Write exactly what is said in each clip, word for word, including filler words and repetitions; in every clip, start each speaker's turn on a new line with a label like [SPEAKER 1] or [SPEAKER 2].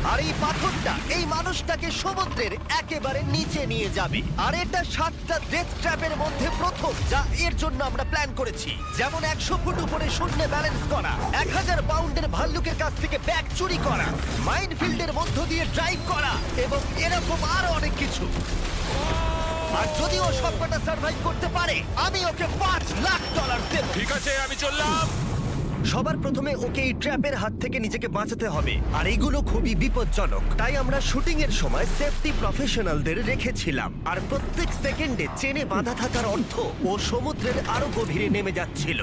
[SPEAKER 1] আর এই পাথরটা এই মানুষটাকে সমুদ্রের একেবারে নিচে নিয়ে যাবে। আর এটা সাতটা ডেথ ট্র্যাপের মধ্যে প্রথম যা এর জন্য আমরা প্ল্যান করেছি। যেমন একশো ফুট উপরে শূন্যে ব্যালেন্স করা, এক হাজার পাউন্ডের ভাল্লুকের কাছ থেকে ব্যাগ চুরি করা, মাইনফিল্ডের মধ্য দিয়ে ড্রাইভ করা এবং এরকম আরো অনেক কিছু। আর যদি ও সবকটা সার্ভাইভ করতে পারে আমি ওকে পাঁচ লাখ ডলার দেব।
[SPEAKER 2] ঠিক আছে, আমি চললাম।
[SPEAKER 1] সবার প্রথমে ওকে এই ট্র্যাপের হাত থেকে নিজেকে বাঁচাতে হবে, আর এইগুলো খুবই বিপজ্জনক। তাই আমরা শুটিং এর সময় সেফটি প্রফেশনালদের রেখেছিলাম। আর প্রত্যেক সেকেন্ডে চেনে বাঁধা থাকার অর্থ ও সমুদ্রের আরো গভীরে নেমে যাচ্ছিল।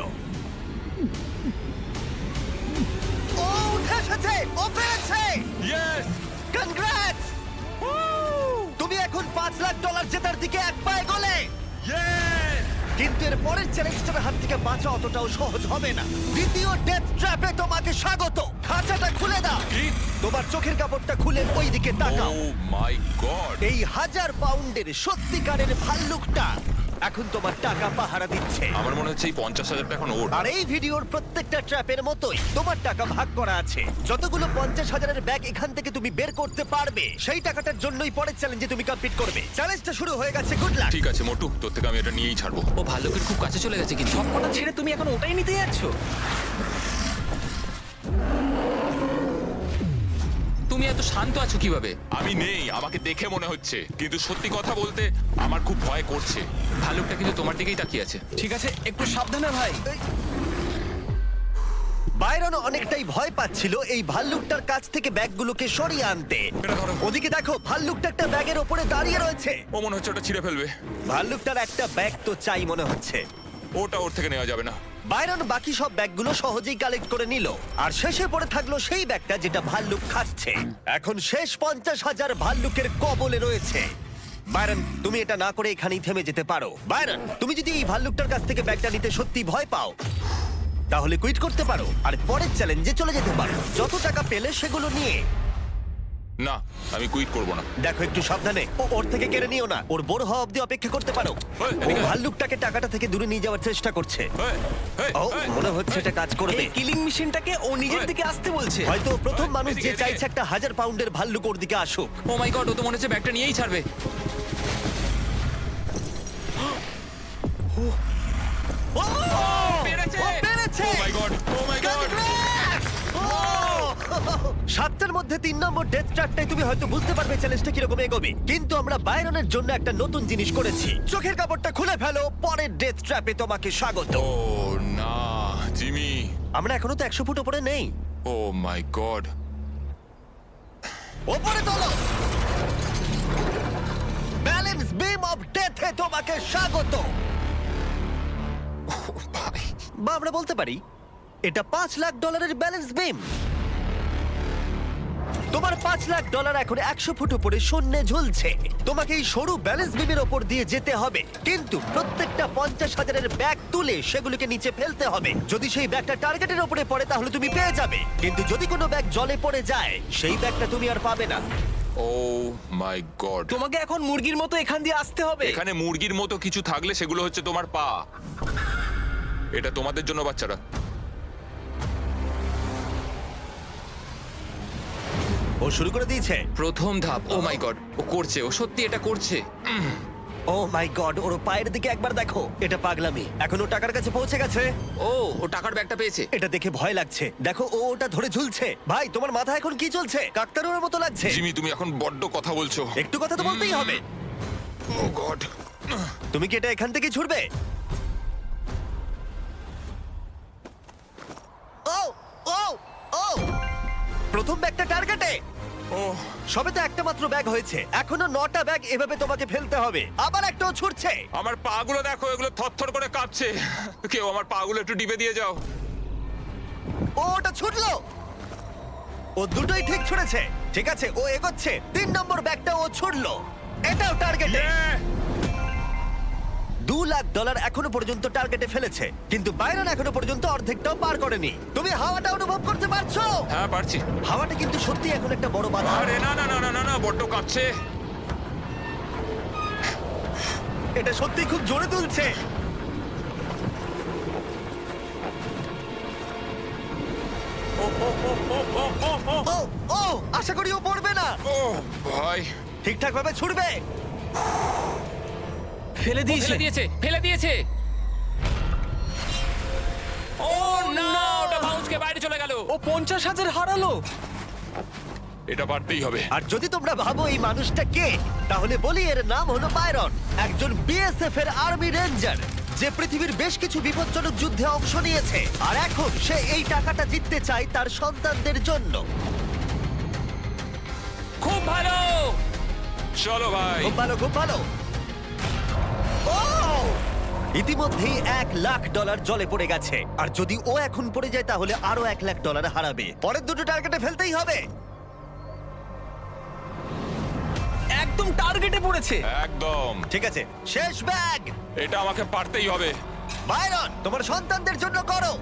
[SPEAKER 1] ও উঠে এসেছে, ও পেরেছে।
[SPEAKER 2] ইয়েস!
[SPEAKER 1] কনগ্রাটস! তুমি এখন পাঁচ লাখ ডলার জেতার দিকে এক পায়ে গলে।
[SPEAKER 2] ইয়েস!
[SPEAKER 1] কিন্তু এর পরের চ্যালেঞ্জটার হাত থেকে বাঁচা অতটাও সহজ হবে না। দ্বিতীয় ডেথ ট্র্যাপে তোমাকে স্বাগত। খাঁচাটা খুলে দাও।
[SPEAKER 2] কি?
[SPEAKER 1] তোমার চোখের কাপড়টা খুলে ওই দিকে তাকাও।
[SPEAKER 2] Oh my God!
[SPEAKER 1] এই হাজার পাউন্ডের সত্যিকারের ভাল্লুকটা এখন তোমার টাকা পাহারা দিচ্ছে।
[SPEAKER 2] আমার মনে হচ্ছে এই পঞ্চাশ হাজারটা এখন ওর।
[SPEAKER 1] আর এই ভিডিওর প্রত্যেকটা ট্র্যাপের মতোই তোমার টাকা ভাগ করা আছে। যতগুলো পঞ্চাশ হাজারের ব্যাগ এখান থেকে তুমি বের করতে পারবে সেই টাকাটার জন্যই পরের চ্যালেঞ্জে তুমি কমপ্লিট করবে। চ্যালেঞ্জটা শুরু হয়ে গেছে, গুড লাক।
[SPEAKER 2] ঠিক আছে মোটু, তোর থেকে আমি এটা নিয়েই ছাড়বো।
[SPEAKER 3] ও ভাল্লুকের খুব কাছে চলে গেছে, কিন্তু
[SPEAKER 4] সবকটা ছেড়ে তুমি এখন ওটাই নিতে যাচ্ছ?
[SPEAKER 3] তুমি এত শান্ত আছো কিভাবে?
[SPEAKER 2] আমি নেই, আমাকে দেখে মনে হচ্ছে, কিন্তু সত্যি কথা বলতে আমার খুব ভয় করছে।
[SPEAKER 3] ভাল্লুকটা কিন্তু তোমার দিকেই তাকিয়ে আছে।
[SPEAKER 4] ঠিক আছে, একটু সাবধানে ভাই।
[SPEAKER 1] বাইরন অনেকটাই ভয় পাচ্ছিল এই ভাল্লুকটার কাছ থেকে ব্যাগগুলোকে সরিয়ে আনতে।
[SPEAKER 2] এটা ধরো।
[SPEAKER 1] ওদিকে দেখো, ভাল্লুকটা একটা ব্যাগের ওপরে দাঁড়িয়ে রয়েছে।
[SPEAKER 2] ও মনে হচ্ছে ওটা ছিঁড়ে ফেলবে।
[SPEAKER 1] ভাল্লুকটার একটা ব্যাগ তো চাই মনে হচ্ছে।
[SPEAKER 2] ওটা ওর থেকে নেওয়া যাবে না।
[SPEAKER 1] বাইরন বাকি সব ব্যাগগুলো সহজেই কালেক্ট করে নিল, আর শেষে পড়ে থাকলো সেই ব্যাগটা যেটা ভাল্লুক খাচ্ছে। এখন শেষ পঞ্চাশ হাজার ভাল্লুকের কবলে রয়েছে। বাইরন, তুমি এটা না করে এখানেই থেমে যেতে পারো। বাইরন, তুমি যদি এই ভাল্লুকটার কাছ থেকে ব্যাগটা নিতে সত্যি ভয় পাও তাহলে কুইট করতে পারো আর পরের চ্যালেঞ্জে চলে যেতে পারো। যত টাকা পেলে সেগুলো নিয়ে।
[SPEAKER 2] না, আমি কুইট করব না।
[SPEAKER 1] দেখো, একটু সাবধানে, ও ওর থেকে কেড়ে নিও না। ওর বড় হওয়া অব্দি অপেক্ষা করতে পারো।
[SPEAKER 2] ওই,
[SPEAKER 1] ও
[SPEAKER 2] এদিকে আয়।
[SPEAKER 1] ভাল্লুকটাকে টাকাটা থেকে দূরে নিয়ে যাওয়ার চেষ্টা করছে।
[SPEAKER 2] এই, এই,
[SPEAKER 1] ও
[SPEAKER 2] এই,
[SPEAKER 1] মনে হচ্ছে এটা কাজ করবে।
[SPEAKER 4] এই কিলিং মেশিনটাকে ও নিজের
[SPEAKER 2] ওই।
[SPEAKER 4] দিকে আসতে বলছে।
[SPEAKER 1] হয়তো ও প্রথম
[SPEAKER 2] ওই,
[SPEAKER 1] মানুষ
[SPEAKER 2] এদিকে,
[SPEAKER 1] যে
[SPEAKER 2] এদিকে।
[SPEAKER 1] চাইছে একটা হাজার পাউন্ডের ভাল্লুক ওর দিকে আসুক।
[SPEAKER 3] ও মাই গড, ও তো মনে হচ্ছে ব্যাগটা নিয়েই ছাড়বে।
[SPEAKER 1] ও!
[SPEAKER 3] পেরেছে!
[SPEAKER 1] ও পেরেছে!
[SPEAKER 2] Oh my God! Oh my God!
[SPEAKER 1] Congrats! ও! সাতটার মধ্যে তিন নম্বর ডেথ ট্র্যাপটাই তুমি হয়তো বুঝতে পারবে চ্যালেঞ্জটা কিরকম এগোবে। কিন্তু আমরা বাইরনের জন্য একটা নতুন জিনিস করেছি। চোখের কাপড়টা খুলে ফেলো, পরের ডেথ ট্র্যাপে তোমাকে স্বাগত।
[SPEAKER 2] ও না, জিমি।
[SPEAKER 1] আমরা এখনো তো একশো ফুট উপরে নেই।
[SPEAKER 2] Oh my God.
[SPEAKER 1] ওপরে তোলো। ব্যালেন্স বিম অফ ডেথে তোমাকে স্বাগত।
[SPEAKER 2] ভাই,
[SPEAKER 1] বা আমরা বলতে পারি এটা পাঁচ লাখ ডলারের ব্যালেন্স বিম। তোমার পাঁচ লাখ ডলার এখন একশো ফুট উপরে শূন্যে ঝুলছে। তোমাকে এই সরু ব্যালেন্স বিমের ওপর দিয়ে যেতে হবে, কিন্তু প্রত্যেকটা পঞ্চাশ হাজারের ব্যাগ তুলে সেগুলোকে নিচে ফেলতে হবে। যদি সেই ব্যাগটা টার্গেটের উপরে পড়ে তাহলে তুমি পেয়ে যাবে, কিন্তু যদি কোনো ব্যাগ জলে পড়ে যায় সেই ব্যাগটা তুমি আর পাবে না।
[SPEAKER 2] Oh my God.
[SPEAKER 4] তোমাকে এখন মুরগির মতো এখান দিয়ে আসতে হবে।
[SPEAKER 2] এখানে মুরগির মতো কিছু থাকলে সেগুলো হচ্ছে তোমার পা। এটা তোমাদের জন্য, বাচ্চারা।
[SPEAKER 1] ও শুরু করে দিয়েছে।
[SPEAKER 3] প্রথম ধাপ। ও মাই গড, ও করছে, ও সত্যি এটা করছে।
[SPEAKER 1] ও মাই গড, ওর পায়ের দিকে একবার দেখো। এটা পাগলামি। এখন ও টাকার কাছে পৌঁছে গেছে।
[SPEAKER 3] ও ও টাকার ব্যাগটা পেয়েছে।
[SPEAKER 1] এটা দেখে ভয় লাগছে। দেখো, ও ওটা ধরে ঝুলছে। ভাই, তোমার মাথা এখন কি চলছে? কাকতারুর মতো লাগছে।
[SPEAKER 2] জিমি, তুমি এখন বড্ড কথা বলছো।
[SPEAKER 1] একটু কথা তো বলতেই হবে।
[SPEAKER 2] Oh God.
[SPEAKER 1] তুমি কি এটা এখান থেকে ছুটবে? ও ও ও প্রথম ব্যাগটা টার্গেটে।
[SPEAKER 2] ও
[SPEAKER 1] সবে তো একটা মাত্র ব্যাগ হয়েছে, এখনো নটা ব্যাগ এভাবে তোমাকে ফেলতে হবে। আবার একটাও ছুটছে।
[SPEAKER 2] আমার পাগুলো দেখো, এগুলো থরথর করে কাঁপছে। কেউ আমার পাগুলো একটু টিপে দিয়ে যাও।
[SPEAKER 1] ও ওটা ছুটলো। ও দুটোই ঠিক ছুড়েছে। ঠিক আছে, ও এগোচ্ছে। তিন নম্বর ব্যাগটা ও ছুড়লো। এটাও টার্গেটে।
[SPEAKER 2] Yeah!
[SPEAKER 1] দু লাখ ডলার এখনো পর্যন্ত টার্গেটে ফেলেছে, কিন্তু বাইরন এখনো পর্যন্ত অর্ধেকটাও পার করেনি। তুমি হাওয়াটা অনুভব করতে পারছো?
[SPEAKER 2] হ্যাঁ, পারছি।
[SPEAKER 1] হাওয়াটা কিন্তু সত্যি এখন একটা বড় বাধা।
[SPEAKER 2] আরে না না না না না না, বড্ড কাঁপছে।
[SPEAKER 1] এটা সত্যি খুব জোরে তুলছে। ও ও আশা করি ও পড়বে না।
[SPEAKER 2] ও ভাই,
[SPEAKER 1] ঠিকঠাক ভাবে ছুটবে।
[SPEAKER 4] ফেলে দিয়েছে
[SPEAKER 3] ফেলে দিয়েছে ফেলে দিয়েছে ও না ওটা বাউন্সকে বাইরে চলে গেল
[SPEAKER 4] ও পঞ্চাশ হাজার হারালো।
[SPEAKER 2] এটা পারতেই হবে।
[SPEAKER 1] আর যদি তোমরা ভাবো এই মানুষটা কে, তাহলে বলি এর নাম হলো বায়রন, একজন বিএসএফ এর আর্মি রেঞ্জার যে পৃথিবীর বেশ কিছু বিপজ্জনক যুদ্ধে অংশ নিয়েছে। আর এখন সে এই টাকাটা জিততে চায় তার সন্তানদের জন্য।
[SPEAKER 3] খুব ভালো
[SPEAKER 2] চলো ভাই।
[SPEAKER 1] খুব ভালো, খুব ভালো। ও! ইতিমধ্যেই এক লাখ ডলার জলে পড়ে গেছে, আর যদি ও এখন পড়ে যায় তাহলে আরো এক লাখ ডলার হারাবে। পরের দুটো টার্গেটে ফেলতেই হবে।
[SPEAKER 4] একদম টার্গেটে পড়েছে।
[SPEAKER 2] একদম।
[SPEAKER 1] ঠিক আছে, শেষ ব্যাগ।
[SPEAKER 2] এটা আমাকে পারতেই হবে।
[SPEAKER 1] বায়রন, তোমার সন্তানদের জন্য করো।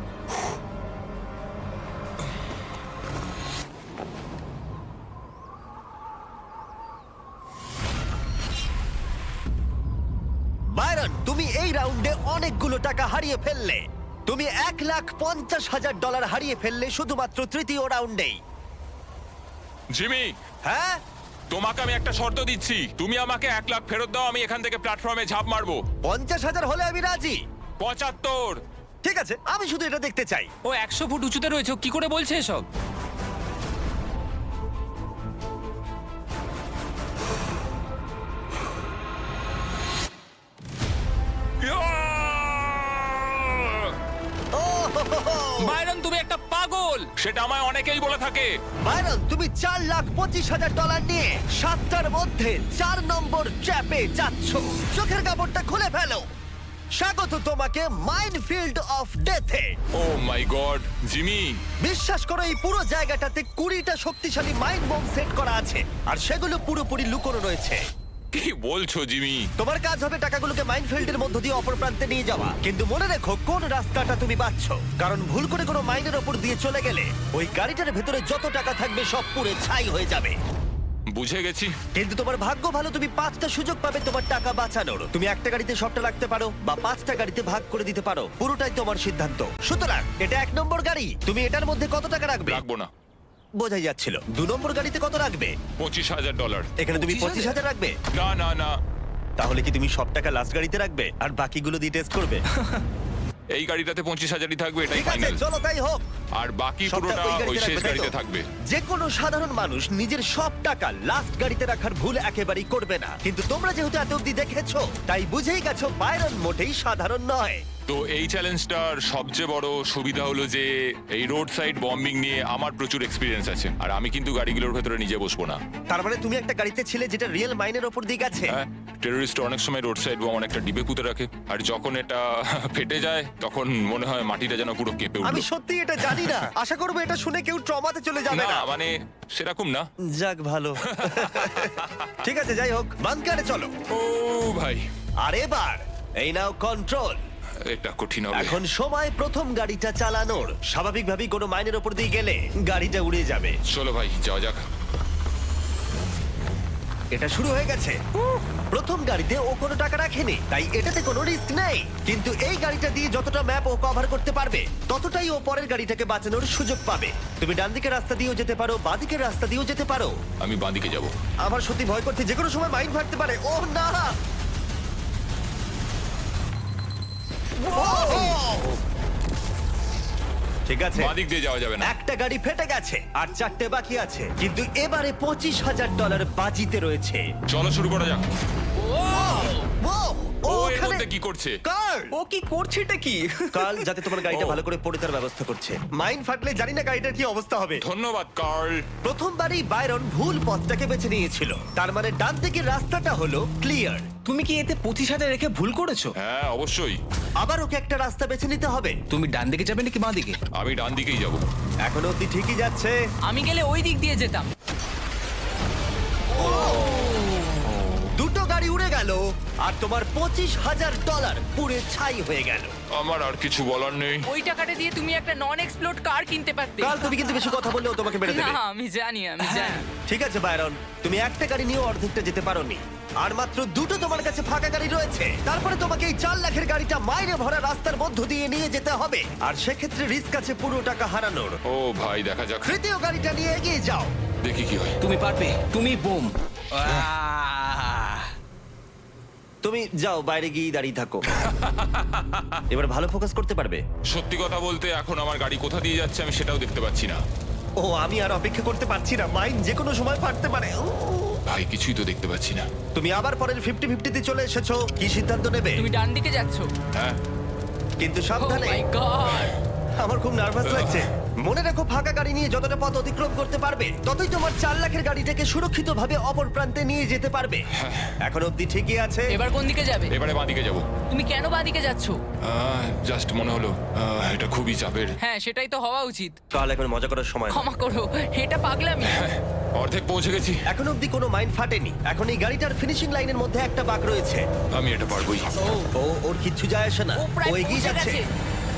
[SPEAKER 1] বায়রন, তুমি এই রাউন্ডে অনেকগুলো টাকা হারিয়ে ফেললে। তুমি এক লাখ পঞ্চাশ হাজার ডলার হারিয়ে ফেললে শুধুমাত্র তৃতীয় রাউন্ডেই।
[SPEAKER 2] জিমি,
[SPEAKER 1] হ্যাঁ,
[SPEAKER 2] তোমাকে আমি একটা শর্ত দিচ্ছি, তুমি আমাকে এক লাখ ফেরত দাও, আমি এখান থেকে প্ল্যাটফর্মে ঝাঁপ মারবো।
[SPEAKER 1] পঞ্চাশ হাজার হলে আমি রাজি।
[SPEAKER 2] পঁচাত্তর।
[SPEAKER 1] ঠিক আছে, আমি শুধু এটা দেখতে চাই।
[SPEAKER 3] ও একশো ফুট উঁচুতে রয়েছে ও কি করে বলছে এসব
[SPEAKER 1] ও হো হো হো।
[SPEAKER 3] বাইরন তুমি একটা পাগল
[SPEAKER 2] সেটা আমায় অনেকেই বলে থাকে।
[SPEAKER 1] বাইরন, তুমি চার লাখ পঁচিশ হাজার ডলার নিয়ে সাতটার মধ্যে চার নম্বর ট্র্যাপে যাচ্ছ। চোখের কাপড়টা খুলে ফেলো। স্বাগত তোমাকে মাইনফিল্ড অফ ডেথে।
[SPEAKER 2] ও মাই গড, জিমি,
[SPEAKER 1] বিশ্বাস করো এই পুরো জায়গাটাতে কুড়িটা শক্তিশালী মাইন্ড বোম সেট করা আছে, আর সেগুলো পুরোপুরি লুকোনো রয়েছে।
[SPEAKER 2] কি বলছো জিমি?
[SPEAKER 1] তোমার কাজ হবে টাকাগুলোকে মাইনফিল্ডের মধ্য দিয়ে অপর প্রান্তে নিয়ে যাওয়া। কিন্তু মনে রেখো কোন রাস্তাটা তুমি বাছছ, কারণ ভুল করে কোনো মাইনের ওপর দিয়ে চলে গেলে ওই গাড়িটার ভেতরে যত টাকা থাকবে সব পুড়ে ছাই হয়ে যাবে।
[SPEAKER 2] বুঝে গেছি।
[SPEAKER 1] কিন্তু তোমার ভাগ্য ভালো, তুমি পাঁচটা সুযোগ পাবে তোমার টাকা বাঁচানোর। তুমি একটা গাড়িতে সবটা রাখতে পারো বা পাঁচটা গাড়িতে ভাগ করে দিতে পারো, পুরোটাই তোমার সিদ্ধান্ত। সুতরাং এটা এক নম্বর গাড়ি, তুমি এটার মধ্যে কত টাকা রাখবে?
[SPEAKER 2] রাখবো না।
[SPEAKER 1] বোঝাই যাচ্ছিল। দু নম্বর গাড়িতে কত রাখবে?
[SPEAKER 2] পঁচিশ হাজার ডলার।
[SPEAKER 1] এখানে তুমি
[SPEAKER 3] পঁচিশ
[SPEAKER 1] পঁচিশ হাজার রাখবে।
[SPEAKER 2] না না না,
[SPEAKER 1] তাহলে কি তুমি সব টাকা লাস্ট গাড়িতে রাখবে আর বাকিগুলো দিয়ে টেস্ট করবে?
[SPEAKER 2] এই গাড়িটাতে পঁচিশ হাজারই থাকবে, এটাই
[SPEAKER 1] ঠিক আছে,
[SPEAKER 2] ফাইনাল।
[SPEAKER 1] চলো তাই হোক।
[SPEAKER 2] আর বাকি
[SPEAKER 1] সবটা
[SPEAKER 2] পুরোটা
[SPEAKER 1] ওই গাড়িতে
[SPEAKER 2] ওই শেষ
[SPEAKER 1] রাখবে, তাই তো?
[SPEAKER 2] গাড়িতে থাকবে।
[SPEAKER 1] যে কোনো সাধারণ মানুষ নিজের সব টাকা লাস্ট গাড়িতে রাখার ভুল একেবারেই করবে না, কিন্তু তোমরা যেহেতু এত অব্দি দেখেছো তাই বুঝেই গেছো বাইরন মোটেই সাধারণ নয়।
[SPEAKER 2] তো এই চ্যালেঞ্জটার সবচেয়ে বড় সুবিধা হলো যে এই রোড সাইড বম্বিং নিয়ে আমার প্রচুর এক্সপিরিয়েন্স আছে, আর আমি কিন্তু গাড়িগুলোর ভেতরে নিজে বসবো না।
[SPEAKER 1] তার মানে তুমি একটা গাড়িতে ছিলে যেটা রিয়েল মাইনের ওপর দিয়ে গেছে।
[SPEAKER 2] হ্যাঁ, টেররিস্ট অনেক সময় রোড সাইড বোম অনেকটা ডিবে পুঁতে রাখে, আর যখন এটা ফেটে যায় তখন মনে হয় মাটিটা যেন পুরো কেঁপে
[SPEAKER 1] আমি
[SPEAKER 2] উঠলো।
[SPEAKER 1] সত্যি এটা জানি না, আশা করবো এটা শুনে কেউ ট্রমাতে চলে যাবে
[SPEAKER 2] না
[SPEAKER 1] না।
[SPEAKER 2] মানে সেরকম না।
[SPEAKER 1] যাক ভালো। ঠিক আছে, যাই হোক, বাংকারে চলো।
[SPEAKER 2] ও ভাই,
[SPEAKER 1] আর এবার এই নাও কন্ট্রোল।
[SPEAKER 2] এটা কঠিন হবে।
[SPEAKER 1] এখন সময় প্রথম গাড়িটা চালানোর। স্বাভাবিকভাবেই কোনো মাইনের ওপর দিয়ে গেলে গাড়িটা উড়ে যাবে।
[SPEAKER 2] চলো ভাই, যাওয়া যাক।
[SPEAKER 1] এটা শুরু হয়ে গেছে। প্রথম গাড়িতে ও কোনো টাকা রাখেনি, তাই এটাতে কোনো রিস্ক নেই। কিন্তু এই গাড়িটা দিয়ে যতটা ম্যাপ ও কভার করতে পারবে ততটাই ও পরের গাড়িটাকে বাঁচানোর সুযোগ পাবে। তুমি ডান দিকের রাস্তা দিয়েও যেতে পারো, বাঁ দিকের রাস্তা দিয়েও যেতে পারো।
[SPEAKER 2] আমি বাঁদিকে যাব।
[SPEAKER 1] আমার সত্যি ভয় করছে, যে কোনো সময় মাইন ফাটতে পারে। ও না! ওহ! ঠিক আছে,
[SPEAKER 2] বাঁদিক দিয়ে যাওয়া যাবে না।
[SPEAKER 1] একটা গাড়ি ফেটে গেছে আর চারটে বাকি আছে, কিন্তু এবারে পঁচিশ হাজার ডলার বাজিতে রয়েছে।
[SPEAKER 2] চলো শুরু করা যাক।
[SPEAKER 1] ও, ও
[SPEAKER 2] ও এর
[SPEAKER 1] ওখানে
[SPEAKER 2] মধ্যে কি করছে?
[SPEAKER 1] কার্ল!
[SPEAKER 4] ও কি করছে এটা কি?
[SPEAKER 1] কার্ল যাতে তোমার গাড়িটা
[SPEAKER 2] ও।
[SPEAKER 1] ভালো করে পড়ে তার ব্যবস্থা করছে। মাইন ফাটলে জানি না গাড়িটার কি অবস্থা হবে।
[SPEAKER 2] ধন্যবাদ কার্ল।
[SPEAKER 1] প্রথমবারই বাইরন ভুল পথটাকে বেছে নিয়েছিল, তার মানে ডান দিকের রাস্তাটা হলো ক্লিয়ার।
[SPEAKER 4] তুমি কি এতে পঁচিশ হাজার রেখে ভুল করেছো?
[SPEAKER 2] হ্যাঁ অবশ্যই,
[SPEAKER 1] আবার ওকে একটা রাস্তা বেছে নিতে হবে।
[SPEAKER 4] তুমি ডান দিকে যাবে নাকি বাঁ দিকে?
[SPEAKER 2] আমি ডান দিকেই যাব।
[SPEAKER 1] এখন অব্দি ঠিকই যাচ্ছে।
[SPEAKER 5] আমি গেলে ওই দিক দিয়ে যেতাম।
[SPEAKER 1] দুটো গাড়ি উড়ে গেল আর তোমার পঁচিশ হাজার ডলার পুড়ে ছাই হয়ে গেল।
[SPEAKER 2] আমার আর কিছু বলার নেই।
[SPEAKER 5] ওই টাকাটা দিয়ে তুমি একটা নন এক্সপ্লোড কার কিনতে পারতে।
[SPEAKER 1] কাল তুমি কিন্তু বেশি কথা বললেও তোমাকে মেরে
[SPEAKER 5] না
[SPEAKER 1] দেবে।
[SPEAKER 5] আমি জানি আমি জানি।
[SPEAKER 1] ঠিক আছে বাইরন, তুমি একটা গাড়ি নিয়ে অর্ধেকটা যেতে পারোনি, আর মাত্র দুটো তোমার কাছে ফাঁকা গাড়ি রয়েছে। তারপরে তোমাকে এই চার লাখের গাড়িটা মাইনে ভরা রাস্তার মধ্য দিয়ে নিয়ে যেতে হবে, আর সেক্ষেত্রে রিস্ক আছে পুরো টাকা হারানোর।
[SPEAKER 2] ও ভাই, দেখা যাক।
[SPEAKER 1] তৃতীয় গাড়িটা নিয়ে এগিয়ে যাও।
[SPEAKER 2] দেখি কি হয়।
[SPEAKER 4] তুমি পারবে, তুমি বোম।
[SPEAKER 1] তুমি যাও, বাইরে গিয়ে দাঁড়িয়ে থাকো। এবার ভালো ফোকাস করতে পারবে।
[SPEAKER 2] সত্যি কথা বলতে এখন আমার গাড়ি কোথা দিয়ে যাচ্ছে আমি সেটাও দেখতে পাচ্ছি না।
[SPEAKER 1] ও, আমি আর অপেক্ষা করতে পারছি না, মাইন যে কোনো সময় ফাটতে পারে। উহ।
[SPEAKER 2] ভাই কিছুই তো দেখতে পাচ্ছি না।
[SPEAKER 1] তুমি আবার পরের ফিফটি ফিফটিতে চলে এসেছো, কি সিদ্ধান্ত নেবে?
[SPEAKER 5] তুমি ডান দিকে যাচ্ছ।
[SPEAKER 2] হ্যাঁ
[SPEAKER 1] কিন্তু
[SPEAKER 5] ও
[SPEAKER 1] সাবধানে।
[SPEAKER 5] My God.
[SPEAKER 1] আমার খুব নার্ভাস লাগছে। মনে রাখো, ফাঁকা গাড়ি নিয়ে যতটা পথ অতিক্রম করতে পারবে ততই তোমার চার লাখের গাড়িটাকে সুরক্ষিতভাবে অপর প্রান্তে নিয়ে যেতে পারবে। এখন অব্দি ঠিকই আছে।
[SPEAKER 5] এবার কোন দিকে যাবে?
[SPEAKER 2] এবারে বাঁদিকে যাবো।
[SPEAKER 5] তুমি কেন বাঁদিকে যাচ্ছ?
[SPEAKER 2] জাস্ট মনে হলো আহ, এটা খুবই চাপের।
[SPEAKER 5] হ্যাঁ সেটাই তো হওয়া উচিত।
[SPEAKER 1] তাহলে এখন মজা করার সময় না।
[SPEAKER 5] ক্ষমা করো, এটা পাগলামি।
[SPEAKER 2] অর্ধেক পৌঁছে গেছি।
[SPEAKER 1] এখন অব্দি কোনো মাইন ফাটেনি। এখন এই গাড়িটার ফিনিশিং লাইনের মধ্যে একটা বাঁক রয়েছে।
[SPEAKER 2] আমি এটা পারবোই।
[SPEAKER 1] ও, ওর কিচ্ছু যায় আসে না,
[SPEAKER 5] ও প্রায়
[SPEAKER 1] ও এগিয়ে
[SPEAKER 5] পৌঁছে
[SPEAKER 1] যাচ্ছে।
[SPEAKER 5] গেছে।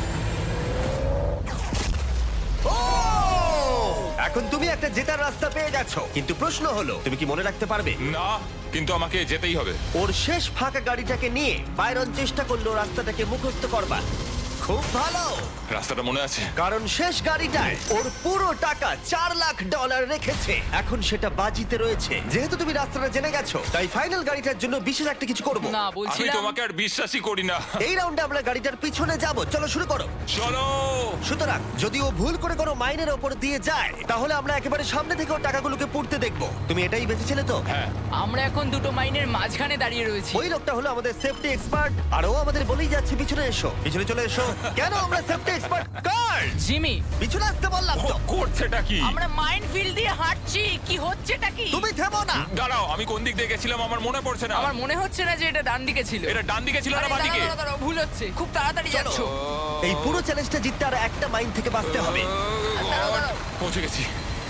[SPEAKER 1] ও! এখন তুমি একটা জেতার রাস্তা পেয়ে গেছো, কিন্তু প্রশ্ন হলো তুমি কি মনে রাখতে পারবে?
[SPEAKER 2] না, কিন্তু আমাকে যেতেই হবে।
[SPEAKER 1] ওর শেষ ফাঁকা গাড়িটাকে নিয়ে বাইরন চেষ্টা করলো রাস্তাটাকে মুখস্থ করবার। খুব ভালো,
[SPEAKER 2] রাস্তাটা মনে আছে।
[SPEAKER 1] কারণ শেষ গাড়িটায় ওর পুরো টাকা চার লাখ ডলার রেখেছে। এখন সেটা বাজিতে রয়েছে। যেহেতু তুমি রাস্তাটা জেনে গেছো, তাই ফাইনাল গাড়িটার জন্য বিশেষ একটা কিছু করবো।
[SPEAKER 5] না
[SPEAKER 2] আমি
[SPEAKER 5] বলছিলাম
[SPEAKER 2] তোমাকে আর বিশ্বাসই করি না।
[SPEAKER 1] এই রাউন্ডে আমরা গাড়িটার পিছনে যাব। চলো শুরু করো।
[SPEAKER 2] চলো।
[SPEAKER 1] সুতরাং যদি ও ভুল করে কোনো মাইনের ওপর দিয়ে যায়, তাহলে আমরা একেবারে সামনে থেকে ওর টাকাগুলোকে পুড়তে দেখবো। তুমি এটাই বেঁচেছিলে তো?
[SPEAKER 2] হ্যাঁ
[SPEAKER 5] আমরা এখন দুটো মাইনের মাঝখানে দাঁড়িয়ে রয়েছি।
[SPEAKER 1] ওই লোকটা হলো আমাদের সেফটি এক্সপার্ট, আর ও আমাদের বলেই যাচ্ছে পিছনে এসো, পিছনে চলে এসো। কেন আমরা সেফটি এক্সপার্ট? কার
[SPEAKER 5] জিমি,
[SPEAKER 1] পিছনে আসতে বললাম
[SPEAKER 2] ও
[SPEAKER 1] তো।
[SPEAKER 2] করছেটা কি?
[SPEAKER 5] আমরা মাইন ফিল্ড দিয়ে হাঁটছি, কি হচ্ছেটা কি?
[SPEAKER 1] তুমি থেমো না।
[SPEAKER 2] দাঁড়াও, আমি কোন দিক দিয়ে গেছিলাম আমার মনে পড়ছে না।
[SPEAKER 5] আমার মনে হচ্ছে না যে এটা ডান দিকে ছিল।
[SPEAKER 2] এটা ডান দিকে ছিল না
[SPEAKER 5] আরে
[SPEAKER 2] বাঁ দিকে?
[SPEAKER 5] দাঁড়াও, দাঁড়াও, দাঁড়াও, ভুল হচ্ছে। খুব তাড়াতাড়ি যাচ্ছ।
[SPEAKER 1] এই পুরো চ্যালেঞ্জটা জিততে আর একটা মাইন থেকে বাঁচতে হবে।
[SPEAKER 5] দাঁড়াও, দাঁড়াও।
[SPEAKER 2] পৌঁছে গেছি।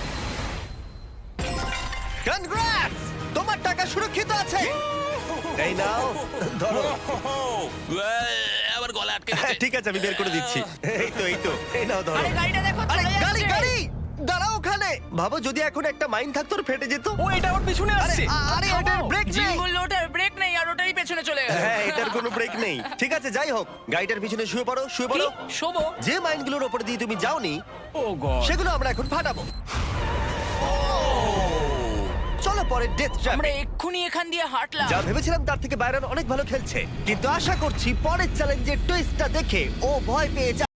[SPEAKER 1] কনগ্রাটস, তোমার টাকা সুরক্ষিত আছে। এই নাও, ধরো।
[SPEAKER 2] আমার গলা আটকে
[SPEAKER 1] হ্যাঁ, ঠিক আছে, আমি বের করে দিচ্ছি। এই তো, এই তো, এই নাও, ধরো।
[SPEAKER 5] আরে গাড়িটা দেখো,
[SPEAKER 1] আরে
[SPEAKER 5] চলে
[SPEAKER 1] গাড়ি,
[SPEAKER 5] যাচ্ছে।
[SPEAKER 1] গাড়ি, দাঁড়াও ওখানে। ভাবো যদি এখন একটা মাইন থাকতো, ওর ফেটে যেত।
[SPEAKER 4] ও এটা ওর পিছনে
[SPEAKER 1] আরে,
[SPEAKER 4] আসছে।
[SPEAKER 1] আরে এটার ব্রেক
[SPEAKER 5] জিমি
[SPEAKER 1] নেই।
[SPEAKER 5] বললো ওটার ব্রেক নেই আর ওটারই পেছনে চলে গেল।
[SPEAKER 1] হ্যাঁ, এটার কোনো ব্রেক নেই। ঠিক আছে, যাই হোক, গাড়িটার পিছনে শুয়ে পড়ো, শুয়ে
[SPEAKER 5] কি?
[SPEAKER 1] পড়ো।
[SPEAKER 5] শোবো?
[SPEAKER 1] যে মাইনগুলোর উপর দিয়ে তুমি যাওনি,
[SPEAKER 4] ও গড।
[SPEAKER 1] সেগুলো আমরা এখন ফাটাবো। চলো পরে ডেথ
[SPEAKER 5] আমরা
[SPEAKER 1] ট্র্যাপে।
[SPEAKER 5] এক্ষুনি এখান দিয়ে হাঁটলাম।
[SPEAKER 1] যা ভেবেছিলাম তার থেকে বাইরন অনেক ভালো খেলছে, কিন্তু আশা করছি পরের চ্যালেঞ্জের টুইস্টটা দেখে ও ভয় পেয়ে যাবে।